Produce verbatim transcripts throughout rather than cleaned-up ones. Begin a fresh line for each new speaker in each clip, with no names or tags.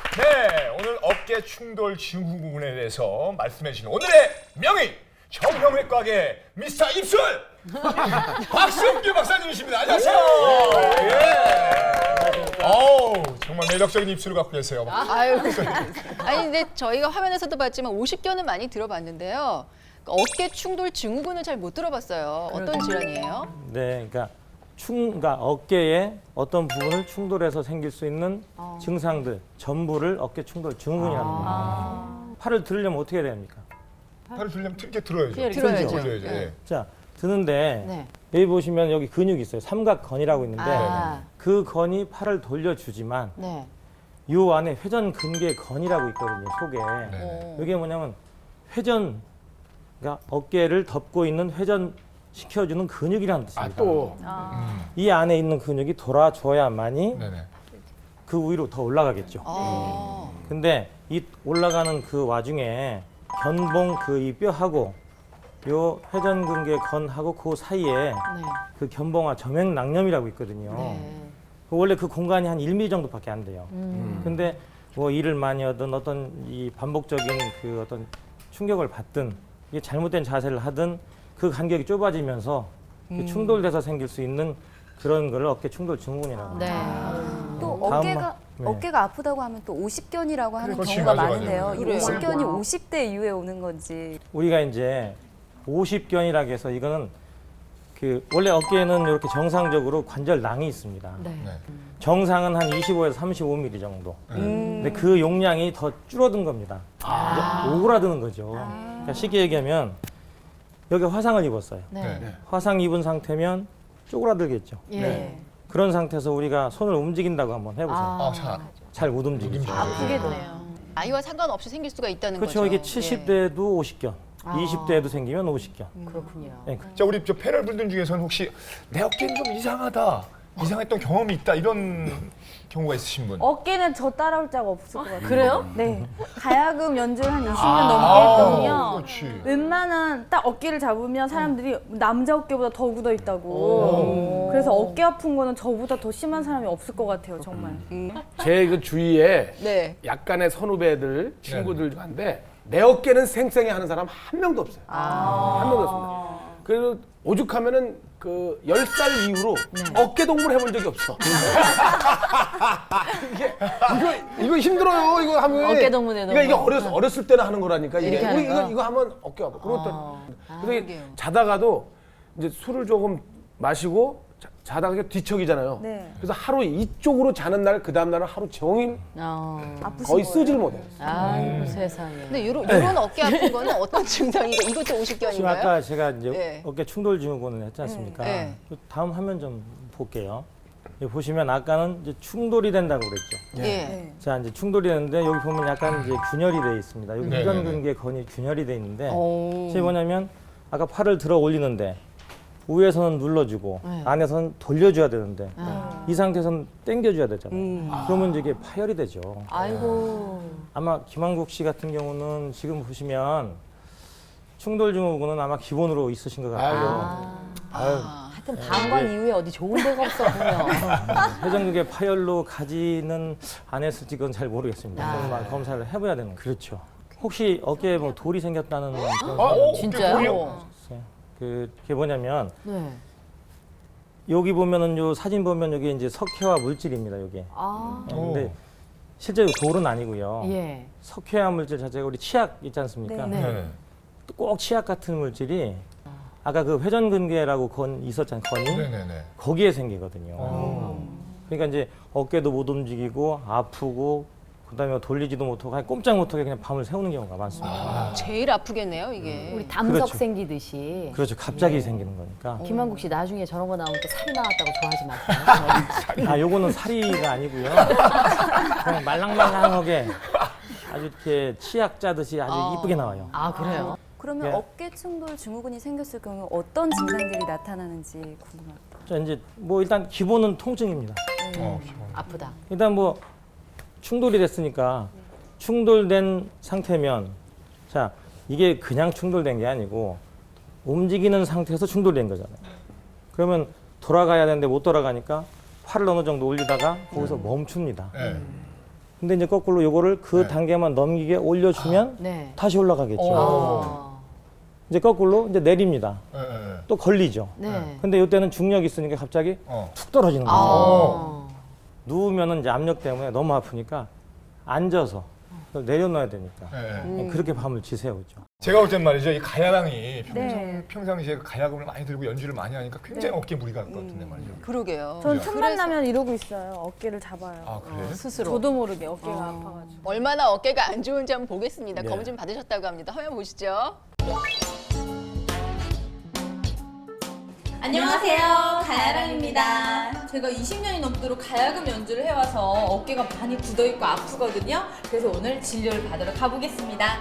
네, 오늘 어깨 충돌 증후군에 대해서 말씀해 주신 오늘의 명의 정형외과계 미스터 입술 박승규 박사님이십니다. 안녕하세요. 예. 어우, 정말 매력적인 입술을 갖고 계세요.
아유. 아니 근데 저희가 화면에서도 봤지만 오십 견은 많이 들어봤는데요. 어깨 충돌 증후군은 잘 못 들어봤어요. 어떤 질환이에요?
네, 그러니까 충, 그러니까 어깨에 어떤 부분을 충돌해서 생길 수 있는
어.
증상들 전부를 어깨 충돌 증후군이라는 겁니다. 팔을 들으려면 어떻게 해야 됩니까?
팔을 들려면 이렇게 들어야죠.
들어야죠.
들어야죠. 예.
자, 드는데
네.
여기 보시면 여기 근육이 있어요. 삼각건이라고 있는데
아.
그 건이 팔을 돌려주지만
네.
요 안에 회전근개건이라고 있거든요. 속에.
어.
이게 뭐냐면 회전, 그러니까 어깨를 덮고 있는 회전 시켜주는 근육이라는 뜻입니다.
아, 또.
이 안에 있는 근육이 돌아줘야만이
네네.
그 위로 더 올라가겠죠.
아.
근데 이 올라가는 그 와중에 견봉 그 이 뼈하고 요 회전근개 건하고 그 사이에
네.
그 견봉화 점액낭염이라고 있거든요.
네.
그 원래 그 공간이 한 일 밀리미터 정도밖에 안 돼요.
음.
근데 뭐 일을 많이 하든 어떤 이 반복적인 그 어떤 충격을 받든 이게 잘못된 자세를 하든 그 간격이 좁아지면서 그 충돌돼서 생길 수 있는 그런 걸 어깨 충돌 증후군이라고 합니다.
네.
또
다음
어깨가
마- 네.
어깨가 아프다고 하면 또 오십견이라고 하는
그렇지,
경우가
맞아,
많은데요.
맞아.
이
그래요.
오십견이
와우.
오십 대 이후에 오는 건지.
우리가 이제 오십견이라고 해서 이거는 그 원래 어깨에는 이렇게 정상적으로 관절낭이 있습니다.
네.
네.
정상은 한 이십오에서 삼십오 밀리미터 정도.
음.
근데 그 용량이 더 줄어든 겁니다. 이제 오그라드는 거죠. 그러니까 쉽게 얘기하면 여기 화상을 입었어요.
네.
네.
화상 입은 상태면 쪼그라들겠죠.
예.
네.
그런 상태에서 우리가 손을 움직인다고 한번 해보세요.
아, 자.
잘 못 움직이죠.
아프게 되네요. 아이와 상관없이 생길 수가 있다는
그렇죠.
거죠.
이게 칠십 대에도 오십견, 이십 대에도 생기면 오십견.
그렇군요.
네.
자, 우리 저 패널 분들 중에서는 혹시 내 어깨는 좀 이상하다, 이상했던 경험이 있다 이런 경우가 있으신 분?
어깨는 저 따라올 자가 없을 것 같아요.
그래요?
네. 가야금 연주를 한 이십 년
아,
넘게 했거든요.
그렇지.
웬만한 딱 어깨를 잡으면 사람들이 남자 어깨보다 더 굳어 있다고. 그래서 어깨 아픈 거는 저보다 더 심한 사람이 없을 것 같아요, 정말.
제 그 주위에
네.
약간의 선후배들 친구들 중인데 내 어깨는 생생해 하는 사람 한 명도 없어요. 한 명도 없습니다. 그리고 오죽하면은 그 열 살 이후로 어깨 동무를 해본 적이 없어. 이게 이거 이거 힘들어요. 이거 하면
어깨 동무네,
그러니까 이게
동무.
어렸 어렸을 때는 하는 거라니까 이게
이렇게 하는
이거,
거?
이거 이거 하면 어깨 아파. 그리고 또
아,
그래서 이게
그러게요.
자다가도 이제 술을 조금 마시고 자, 자다가 이게 뒤척이잖아요.
네.
그래서 하루 이쪽으로 자는 날 그 다음 날은 하루 종일
어.
아프신
거의
거예요?
쓰질 못해요.
아이고 세상에. 근데 요런, 요런 어깨 아픈 거는 어떤 증상이고 이것도
지금
오십견인가요?
아까 제가 이제
네.
어깨 충돌 증후군을 했지 않습니까?
네.
그 다음 화면 좀 볼게요. 여기 보시면 아까는 이제 충돌이 된다고 그랬죠.
예.
네.
자, 이제 충돌이 되는데 여기 보면 약간 이제 균열이 돼 있습니다. 여기
네,
회전근개 건이 균열이 돼 있는데
오.
이게 뭐냐면 아까 팔을 들어 올리는데 위에서는 눌러주고
네.
안에서는 돌려줘야 되는데
아.
이 상태에서는 당겨줘야 되잖아요.
음.
그러면 이제 이게 파열이 되죠.
아이고.
아마 김한국 씨 같은 경우는 지금 보시면 충돌 증후군은 아마 기본으로 있으신 것 같아요. 아유,
하여튼 방광 이후에 어디 좋은 데가 없어 보면.
회전근개 파열로 가지는 안 했을지 그건 잘 모르겠습니다.
아.
그건 검사를 해봐야 되는 거죠. 그렇죠. 혹시 어깨에 뭐 돌이 생겼다는 그런
아,
사람
어,
진짜요?
어깨 돌이요?
있어요? 그게 뭐냐면
네.
여기 보면은 요 사진 보면 여기 이제 석회화 물질입니다. 여기.
아.
근데 실제로 돌은 아니고요.
예.
석회화 물질 자체가 우리 치약 있지 않습니까?
네.
네.
꼭 치약 같은 물질이 아까 그 회전근개라고 건 있었잖아요. 건이
네네네.
거기에 생기거든요.
어.
그러니까 이제 어깨도 못 움직이고 아프고 그다음에 돌리지도 못하고 그냥 꼼짝 못하게 그냥 밤을 새우는 경우가 많습니다.
제일 아프겠네요, 이게.
우리 담석
그렇죠.
생기듯이.
그렇죠. 갑자기 생기는 거니까.
김한국 씨 나중에 저런 거 나오면 또 살이 나왔다고 좋아하지 마세요.
아, 요거는 사리가 아니고요. 그냥 말랑말랑하게 아주 이렇게 치약 짜듯이 아주
아.
이쁘게 나와요.
아 그래요?
그러면
네.
어깨 충돌 증후군이 생겼을 경우 어떤 증상들이 나타나는지 궁금합니다.
자, 이제 뭐 일단 기본은 통증입니다.
어, 기본.
아프다.
일단 뭐 충돌이 됐으니까 충돌된 상태면 자, 이게 그냥 충돌된 게 아니고 움직이는 상태에서 충돌된 거잖아요. 그러면 돌아가야 되는데 못 돌아가니까 팔을 어느 정도 올리다가 거기서 멈춥니다.
네.
근데 이제 거꾸로 요거를 그
네.
단계만 넘기게 올려주면
네.
다시 올라가겠죠.
어.
이제 거꾸로 이제 내립니다.
예, 예, 예.
또 걸리죠.
네.
근데 이때는 중력이 있으니까 갑자기
어.
툭 떨어지는 거예요.
어.
누우면은 이제 압력 때문에 너무 아프니까 앉아서 내려놔야 되니까
예, 예.
그렇게 밤을 지새우죠.
제가 볼 땐 말이죠. 이 가야랑이 평상,
네.
평상시에 그 가야금을 많이 들고 연주를 많이 하니까 굉장히 어깨에 무리가 갈 것 같은데 말이죠.
그러게요.
전
그죠?
틈만 나면 이러고 있어요. 어깨를 잡아요.
아, 그래?
스스로.
저도 모르게 어깨가 아파가지고.
얼마나 어깨가 안 좋은지 한번 보겠습니다.
네.
검진 받으셨다고 합니다. 화면 보시죠.
안녕하세요, 가야랑입니다. 제가 이십 년이 넘도록 가야금 연주를 해와서 어깨가 많이 굳어있고 아프거든요. 그래서 오늘 진료를 받으러 가보겠습니다.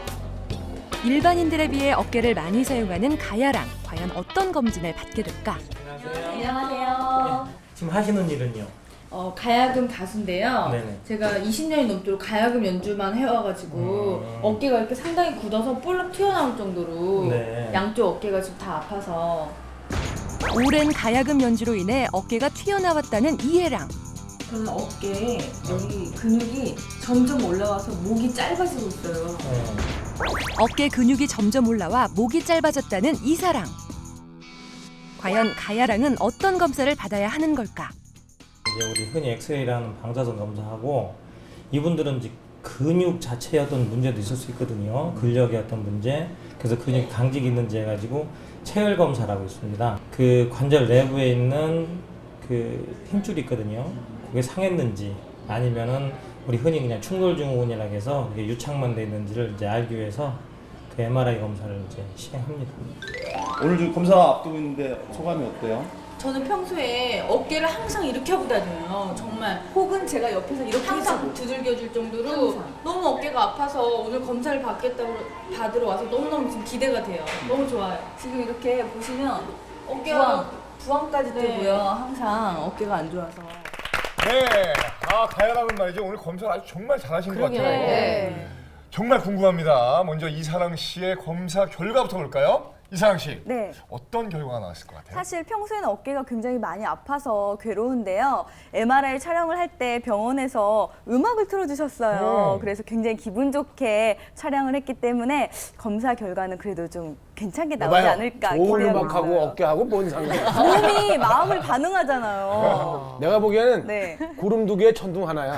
일반인들에 비해 어깨를 많이 사용하는 가야랑 과연 어떤 검진을 받게 될까?
안녕하세요.
지금 하시는 일은요?
어, 가야금 가수인데요.
네네.
제가 이십 년이 넘도록 가야금 연주만 해와가지고
음.
어깨가 이렇게 상당히 굳어서 볼록 튀어나올 정도로
네.
양쪽 어깨가 지금 다 아파서
오랜 가야금 연주로 인해 어깨가 튀어나왔다는 이해랑.
저는 어깨에 여기 근육이 점점 올라와서 목이 짧아지고 있어요.
네.
어깨 근육이 점점 올라와 목이 짧아졌다는 이사랑. 과연 가야랑은 어떤 검사를 받아야 하는 걸까?
이제 우리 흔히 엑스레이라는 방사선 검사하고 이분들은 이제 근육 자체의 어떤 문제도 있을 수 있거든요. 근력의 어떤 문제. 그래서 근육 강직이 있는지 해가지고 체열 검사라고 있습니다. 그 관절 내부에 있는 그 힘줄이 있거든요. 그게 상했는지 아니면은 우리 흔히 그냥 충돌증후군이라고 해서 그게 유착만 돼 있는지를 이제 알기 위해서 그 엠알아이 검사를 이제 시행합니다.
오늘 지금 검사 앞두고 있는데 소감이 어때요?
저는 평소에 어깨를 항상 이렇게 하고 다녀요. 정말. 혹은 제가 옆에서 이렇게 항상 두들겨줄 정도로 너무 어깨가 아파서 오늘 검사를 받겠다고 받으러 와서 너무너무 지금 기대가 돼요. 너무 좋아요.
지금 이렇게 보시면
어깨가
부항까지
네.
뜨고요. 항상 어깨가 안 좋아서.
네. 아, 가야랑은 말이죠. 오늘 검사를 아주 정말 잘하신 것 같아요.
네.
정말 궁금합니다. 먼저 이사랑 씨의 검사 결과부터 볼까요? 이사랑 씨.
네.
어떤 결과가 나왔을 것 같아요?
사실 평소에는 어깨가 굉장히 많이 아파서 괴로운데요. 엠알아이 촬영을 할 때 병원에서 음악을 틀어주셨어요.
음.
그래서 굉장히 기분 좋게 촬영을 했기 때문에 검사 결과는 그래도 좀 괜찮게 나오지
봐봐요.
않을까
좋은
기대하고
음악하고
있어요.
어깨하고 뭔 상관이야.
몸이 마음을 반응하잖아요.
내가 보기에는
네.
구름 두 개에 천둥 하나야.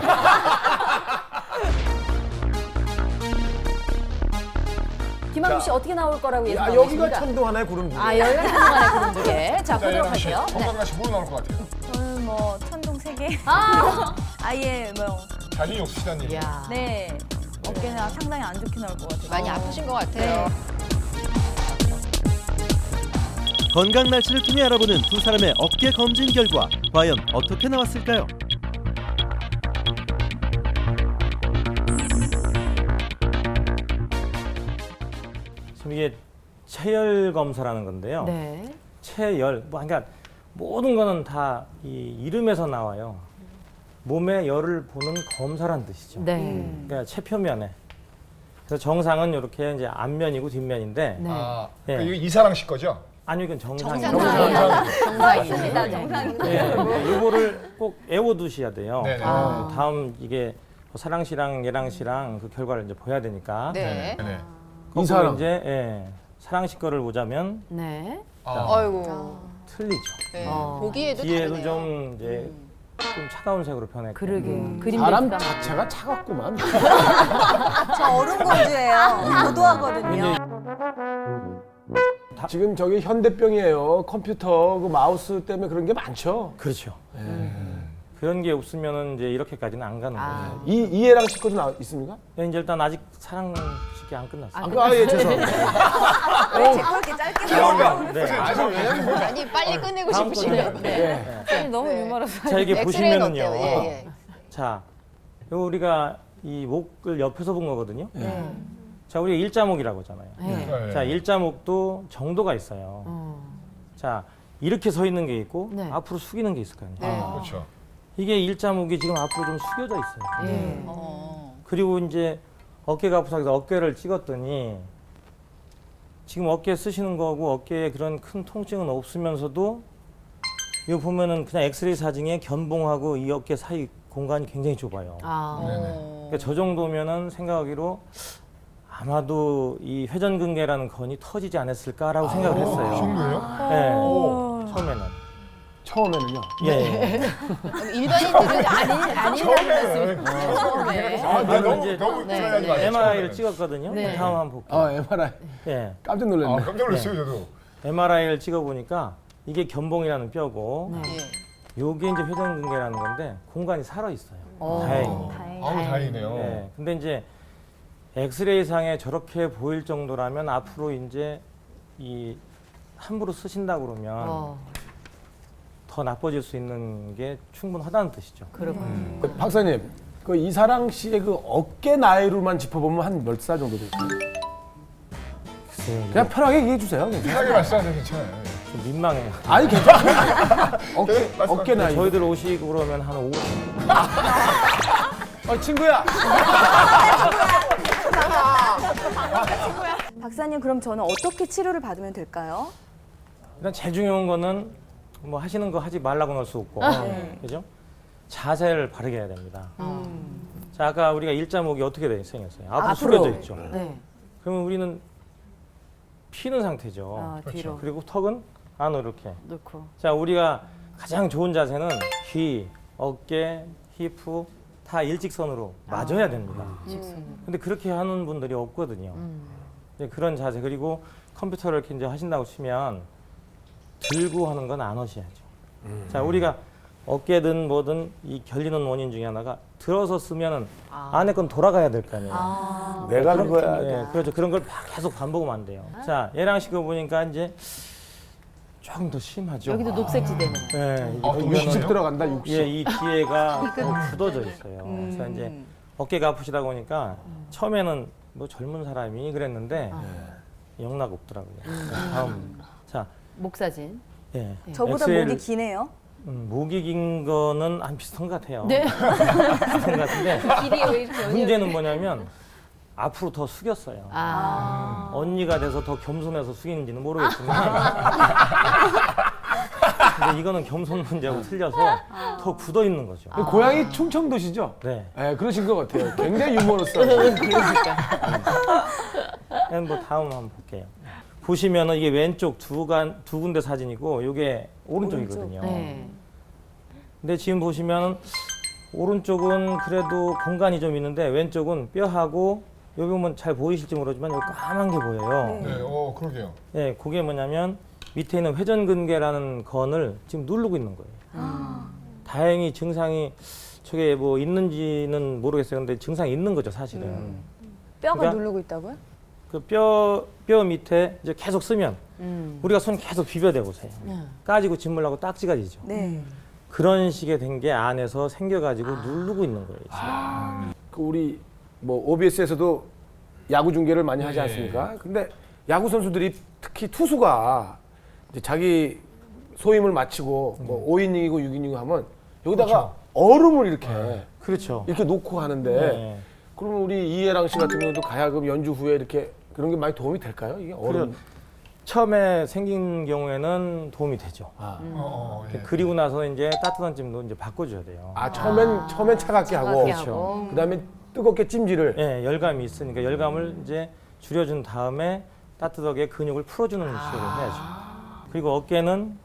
김학국 씨 어떻게 나올 거라고
야,
예상하고
여기가
계십니까?
천둥 하나에 구름 두 개.
아, 여기가 천둥만의 구름 두 개. 자,
자,
보도록
예랑 씨.
할게요. 네.
건강한 씨뭐 나올 것 같아요?
저는 뭐 천둥 세 개.
아!
아예 뭐
자신이 없으시다는 얘기.
야.
네. 어깨는 상당히 안 좋게 나올 것 같아요.
많이 아프신 것 같아요.
건강 날씨를 통해 알아보는 두 사람의 어깨 검진 결과 과연 어떻게 나왔을까요?
지금 이게 체열 검사라는 건데요.
네.
체열, 뭐 그러니까 모든 거는 다 이 이름에서 나와요. 몸의 열을 보는 검사란 뜻이죠.
네.
그러니까 체표면에. 그래서 정상은 이렇게 이제 앞면이고 뒷면인데
네.
아,
예.
이거 이사랑 씨 거죠?
아니 이건 정상이에요.
정상.
정상입니다.
정상입니다.
예, 이거를 꼭 외워두셔야 돼요.
네네.
아.
다음 이게 사랑 씨랑 예랑 씨랑 그 결과를 이제 보야 되니까.
네.
네.
거꾸로
이사랑.
이제 예, 사랑 씨 거를 보자면
네.
아,
아이고.
틀리죠.
네.
어.
보기에도
뒤에도
다르네요.
좀 이제 좀 차가운 색으로 변했고.
그러게.
음.
그림도
사람
있다.
자체가 차갑구만.
저 얼음공주예요. 고도하거든요.
지금 저기 현대병이에요. 컴퓨터 그 마우스 때문에 그런 게 많죠.
그렇죠. 그런 게 없으면은 이제 이렇게까지는 안 가는
아.
거죠.
이 이해랑 씨 것도 나 있습니까?
예, 이제 일단 아직 사랑식이 안 끝났어요.
아, 그, 아, 예, 죄송합니다.
왜 그렇게 짧게 말해요?
네.
아니 빨리 끝내고
다음
싶으신가
거는-
봐요.
예.
너무
네.
유머러서.
자, 이게
엑스레이는
보시면은요.
어때요? 예, 예.
자, 요 우리가 이 목을 옆에서 본 거거든요.
네.
자, 우리가 일자목이라고 하잖아요.
네.
네.
자, 일자목도 정도가 있어요.
어.
자, 이렇게 서 있는 게 있고
네.
앞으로 숙이는 게 있을 거 아니에요.
네.
그렇죠.
이게 일자목이 지금 앞으로 좀 숙여져 있어요.
예.
어.
그리고 이제 어깨가 아파서 그래서 어깨를 찍었더니 지금 어깨 쓰시는 거고 어깨에 그런 큰 통증은 없으면서도 이거 보면은 그냥 엑스레이 사진에 견봉하고 이 어깨 사이 공간이 굉장히 좁아요.
아.
그러니까 저 정도면은 생각하기로 아마도 이 회전근개라는 건이 터지지 않았을까라고 생각을 했어요.
그 정도예요?
네, 처음에는.
처음에는요.
예.
일반인들은
아니, 아니라는 말씀. 처음에.
아, 나 너무
이제
너무
네,
들어가지
네.
마세요.
엠알아이를 찍었거든요.
네.
다음 한번 볼게요.
아, 엠알아이.
예.
깜짝 놀랐네.
아, 깜짝 놀랐어요, 저도.
엠알아이를 찍어보니까 이게 견봉이라는 뼈고
예.
요게 이제 회전근개라는 건데 공간이 살아 있어요.
어.
다행히.
아우, 다행이네요.
네. 근데 이제 엑스레이상에 저렇게 보일 정도라면 앞으로 이제 이 함부로 쓰신다 그러면
어.
더 나빠질 수 있는 게 충분하다는 뜻이죠.
그렇군요.
그 박사님, 그 이사랑 씨의 그 어깨 나이로만 짚어보면 한 몇 살 정도 될까요?
글쎄요,
그냥 편하게 얘기해 주세요. 괜찮아요.
편하게 말씀하세요, 괜찮아요.
좀 민망해요.
아니 괜찮아요. 어깨
네, 말씀-
어깨 나이.
저희들 오시고 그러면 한 오.
어, 친구야.
박사님 그럼 저는 어떻게 치료를 받으면 될까요?
일단 제일 중요한 거는 뭐 하시는 거 하지 말라고는 할 수 없고, 그죠? 자세를 바르게 해야 됩니다. 자, 아까 우리가 일자목이 어떻게 돼 생겼어요? 앞으로,
앞으로.
숙여져 있죠.
네.
그러면 우리는 피는 상태죠.
아, 뒤로
그리고 턱은 안으로 이렇게.
넣고.
자, 우리가 가장 좋은 자세는 귀, 어깨, 히프 다 일직선으로 맞아야 됩니다. 근데 그렇게 하는 분들이 없거든요. 네, 그런 자세. 그리고 컴퓨터를 이렇게 이제 하신다고 치면 들고 하는 건 안 하셔야죠. 자, 우리가 어깨든 뭐든 이 결리는 원인 중에 하나가 들어서 쓰면은 안에 건 돌아가야 될 거 아니에요.
아.
내가
그런-
그거야.
예, 그렇죠. 그런 걸 계속 반복하면 안 돼요. 자, 얘랑 시켜 보니까 이제 조금 더 심하죠.
여기도 녹색지대네.
네,
아, 또
이거는
육십 들어간다. 육십.
예, 이 뒤에가 더 굳어져 있어요. 그래서 이제 어깨가 아프시다 보니까 처음에는 뭐 젊은 사람이 그랬는데 영락 없더라고요. 다음, 자,
목 사진.
예,
저보다
엑스엘,
목이 기네요.
음, 목이 긴 거는 안 비슷한 것 같아요.
네.
비슷한 것 같은데
길이 왜 이렇게 연결?
문제는 뭐냐면 앞으로 더 숙였어요.
아.
언니가 돼서 더 겸손해서 숙이는지는 모르겠지만 근데 이거는 겸손 문제하고 틀려서 더 굳어 있는 거죠.
그 고향이 충청도시죠?
네.
네, 그러신 것 같아요. 굉장히 유머러스하고.
그럼 뭐 다음 한번 볼게요. 보시면은 이게 왼쪽 두, 간, 두 군데 사진이고 이게 오른쪽이거든요.
네.
근데 지금 보시면은 오른쪽은 그래도 공간이 좀 있는데 왼쪽은 뼈하고 여기 보면 잘 보이실지 모르지만 여기 까만 게 보여요.
네, 어, 그러게요.
네, 그게 뭐냐면 밑에 있는 회전근개라는 건을 지금 누르고 있는 거예요. 다행히 증상이 저게 뭐 있는지는 모르겠어요. 근데 증상이 있는 거죠, 사실은.
뼈가
그러니까
누르고 있다고요?
그 뼈, 뼈 밑에 이제 계속 쓰면
음.
우리가 손 계속 비벼대 보세요. 까지고 짓물라고 딱지가 지죠.
네.
그런 식의 된 게 안에서 생겨가지고 누르고 있는 거예요. 지금.
그 우리 뭐 오비에스에서도 야구 중계를 많이 하지
네.
않습니까? 근데 야구 선수들이 특히 투수가 이제 자기 소임을 마치고 뭐 오 이닝이고 육 이닝이고 하면 여기다가 얼음을 이렇게
그렇죠.
이렇게 놓고 하는데
네.
그러면 우리 이해랑 씨 같은 경우도 가야금 연주 후에 이렇게 그런 게 많이 도움이 될까요? 이게 얼음.
그래, 처음에 생긴 경우에는 도움이 되죠.
아,
어, 어, 예.
그리고 나서 이제 따뜻한 찜도 이제 바꿔줘야 돼요.
아 처음엔 처음엔 차갑게 하고
차갑게 하고.
그다음에 뜨겁게 찜질을.
예, 열감이 있으니까 열감을 이제 줄여준 다음에 따뜻하게 근육을 풀어주는 시도를 해야죠. 그리고 어깨는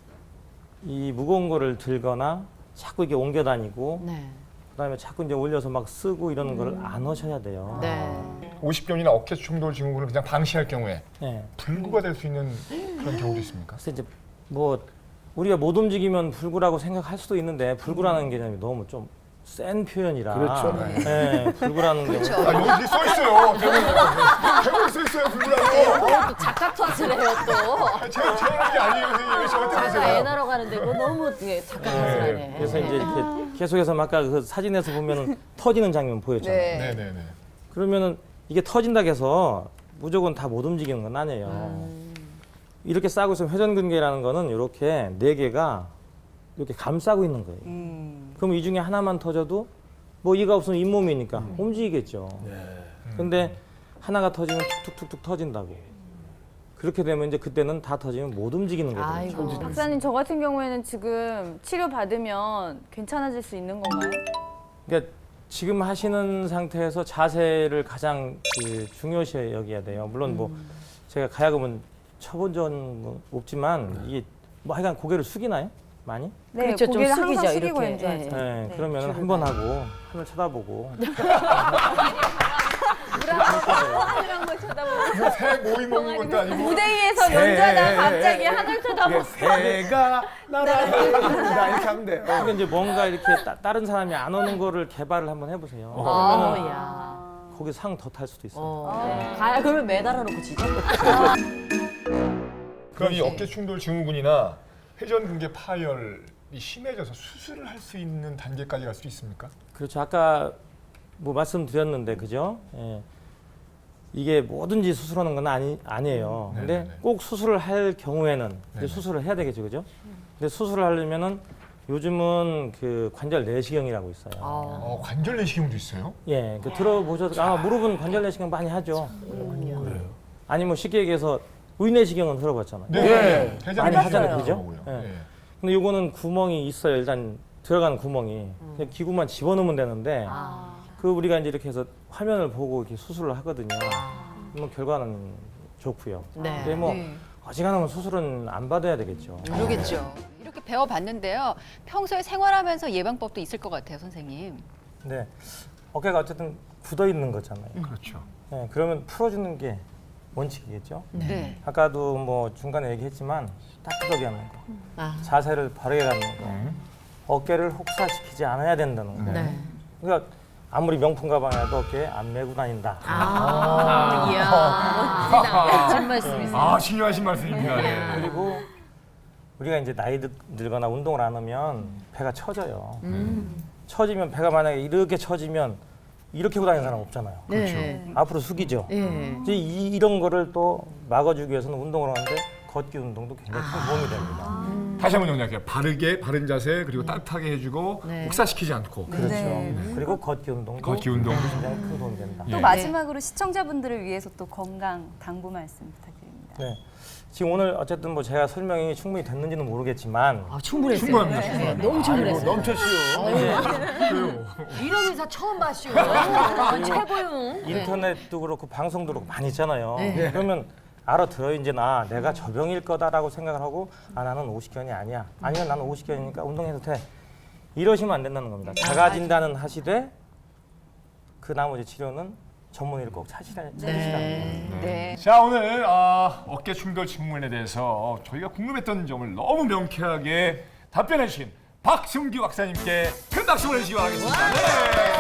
이 무거운 거를 들거나 자꾸 이렇게 옮겨 다니고
네.
그다음에 자꾸 이제 올려서 막 쓰고 이러는 걸 안 하셔야 돼요.
네.
오십견이나 어깨 충돌 증후군을 그냥 방치할 경우에
예.
불구가 될 수 있는 그런 경우도 있습니까?
그래서 이제 뭐 우리가 못 움직이면 불구라고 생각할 수도 있는데 불구라는 개념이 너무 좀 센 표현이라.
그렇죠.
예, 불구라는
그렇죠.
경우.
아, 여기 써 있어요. 대본에 써 있어요, 불구라고.
또 작가 탓을 해요 또.
제가 제가 게 아니에요, 선생님. 저한테
작가 애
그러세요.
나러 가는데 그거 너무 되게 작가 탓을 하네.
그래서 이제 이렇게 계속해서 막 아까 그 사진에서 보면은 터지는 장면 보였잖아요.
네.
네, 네, 네.
그러면은 이게 터진다고 해서 무조건 다 못 움직이는 건 아니에요. 이렇게 싸고 있으면 회전근개라는 거는 이렇게 네 개가 이렇게 감싸고 있는 거예요. 그럼 이 중에 하나만 터져도 뭐 이가 없으면 잇몸이니까 움직이겠죠. 근데 하나가 터지면 툭툭툭툭 터진다고. 그렇게 되면 이제 그때는 다 터지면 못 움직이는 거거든요.
아이고.
박사님 저 같은 경우에는 지금 치료 받으면 괜찮아질 수 있는 건가요?
그러니까 지금 하시는 상태에서 자세를 가장 그 중요시 여겨야 돼요. 물론 뭐 제가 가야금은 쳐본 적은 없지만 이게 뭐 하여간 고개를 숙이나요? 많이?
네,
그렇죠, 좀
고개를
숙이죠,
항상 숙이고
이렇게.
연주하죠.
네,
네.
그러면 한 번 하고 하늘 쳐다보고
새 모임 먹는 것도 아니고.
무대 위에서 연주하다가 갑자기 하늘 쳐다보고
새가 날아간다 이렇게 하면 돼요.
그러니까 이제 뭔가 이렇게 따, 다른 사람이 안 오는 거를 개발을 한번 해보세요.
어,
그러면
야.
거기 상 더 탈 수도 있어요.
어. 가야 그러면 매달아 놓고 치죠.
그럼 이 어깨 충돌 증후군이나 회전근개 파열이 심해져서 수술을 할 수 있는 단계까지 갈 수 있습니까?
그렇죠. 아까 뭐 말씀드렸는데 그죠? 예. 이게 뭐든지 수술하는 건 아니 아니에요.
음.
근데
네네네.
꼭 수술을 할 경우에는 이제
네네.
수술을 해야 되겠죠, 그죠? 근데 수술을 하려면은 요즘은 그 관절 내시경이라고 있어요.
어, 관절 내시경도 있어요?
예, 그 들어보셔서 아마 무릎은 관절 내시경 많이 하죠. 아니면 쉽게 얘기해서 의내시경은 들어봤잖아요.
네.
많이 하잖아요, 그죠?
그러고요.
예.
네.
근데 요거는 구멍이 있어요. 일단 들어가는 구멍이 그냥 기구만 집어넣으면 되는데
아.
그 우리가 이제 이렇게 해서 화면을 보고 이렇게 수술을 하거든요. 뭐 결과는 좋고요.
네.
근데 뭐
네.
어지간하면 수술은 안 받아야 되겠죠.
그러겠죠. 이렇게 배워봤는데요. 평소에 생활하면서 예방법도 있을 것 같아요, 선생님.
네, 어깨가 어쨌든 굳어 있는 거잖아요.
그렇죠.
네, 그러면 풀어주는 게 원칙이겠죠.
네.
아까도 뭐 중간에 얘기했지만 따뜻하게 하는 거,
아.
자세를 바르게 갖는 거, 어깨를 혹사시키지 않아야 된다는 거.
네.
그러니까 아무리 명품 가방이라도 어깨에 안 메고 다닌다.
아. 이야. 멋진 말씀이세요.
아, 중요하신 말씀입니다. 네.
그리고 우리가 이제 나이 들, 들거나 운동을 안 하면 배가 처져요. 처지면 배가 만약에 이렇게 처지면 이렇게 하고 다니는 사람 없잖아요.
네.
앞으로 숙이죠.
예.
이제 이, 이런 거를 또 막아주기 위해서는 운동을 하는데 걷기 운동도 굉장히 큰 도움이 됩니다.
다시 한번 정리할게요. 바르게, 바른 자세, 그리고 따뜻하게 해주고
네.
혹사시키지 않고.
그렇죠.
네.
그리고 걷기 운동도
걷기 운동도.
굉장히 큰 도움이 된다.
예.
또 마지막으로 시청자분들을 위해서 또 건강 당부 말씀 부탁드립니다.
네. 지금 오늘 어쨌든 뭐 제가 설명이 충분히 됐는지는 모르겠지만
아, 충분했어요.
충분합니다.
네.
충분합니다.
너무 충분했어요.
넘쳤어요.
이런 의사 처음 봤슈. 아, 최고용.
인터넷도 그렇고 방송도 그렇고 많이 있잖아요.
네.
그러면 알아들어 이제 나 내가 저병일 거다라고 생각을 하고 아 나는 오십견이 아니야. 아니면 나는 오십견이니까 운동해도 돼. 이러시면 안 된다는 겁니다. 자가 진단은 하시되 그 나머지 치료는 전문의를 꼭 찾으시라, 찾으시라는 거예요.
네.
자, 오늘 아, 어깨 충돌 증후군에 대해서 저희가 궁금했던 점을 너무 명쾌하게 답변해 주신 박승규 박사님께 큰 박수 보내주시기 바라겠습니다. 네.